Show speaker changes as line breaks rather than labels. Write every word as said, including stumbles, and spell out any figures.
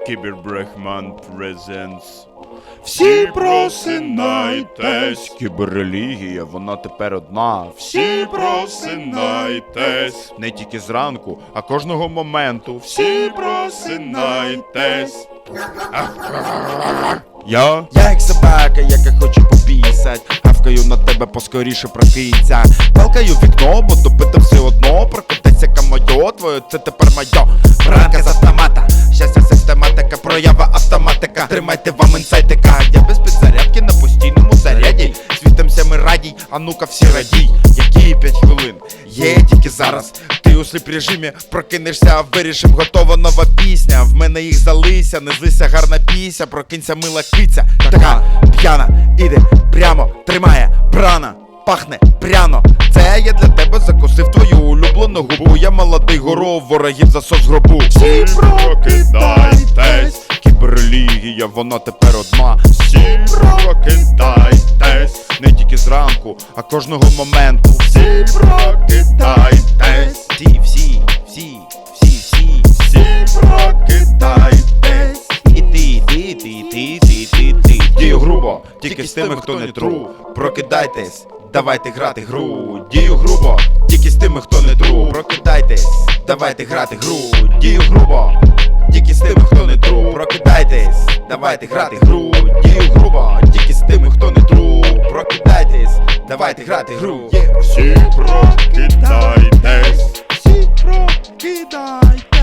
Кібербрехман Presents.
Всі просинайтесь,
Кіберрелігія, вона тепер одна.
всі просинайтесь,
Не тільки зранку, а кожного моменту.
всі просинайтесь.
Я
Я як собака, яка хоче попісать, гавкаю на тебе, поскоріше прокинься. Палкаю в вікно, бо добити все одно. Прокотиться камайо, твоє це тепер майо. Ранка з автомата, щастя систематика, проява автоматика. Тримайте вам інсайтика, я без підзарядки на постійному заряді. Світимся ми радій, а ну-ка всі радій. Які п'ять хвилин, є тільки зараз. Ти у сліп режимі, прокинешся, вирішим, готова нова пісня. В мене їх залися, не злися, гарна пісня. Прокинься, мила киця, така п'яна, іде прямо, тримає прана, пахне пряно. Це я для тебе закусив твою улюблену губу. Я молодий горов, ворогів засос гробу.
Всі прокидайтесь, кіберрелігія, вона тепер одна.
Всі прокидайтесь,
Не тільки зранку, а кожного моменту.
всі прокидайтесь,
Всі, всі, всі, всі, всі.
всі прокидайтесь.
І ти, ти, ти, ти, ти, ти, ти. Дію грубо, тільки з тими, хто не тру.
Прокидайтесь, давайте грати гру. Дію грубо, тільки з тими, хто не тру. Прокидайтесь, давайте грати гру. Дію грубо, тільки з тими, хто не тру. Прокидайтесь, давайте грати гру. Дію грубо, тільки з тими, хто не тру. Прокидайтесь, давайте грати гру.
Всі прокидайтесь.
Всі прокидайтесь.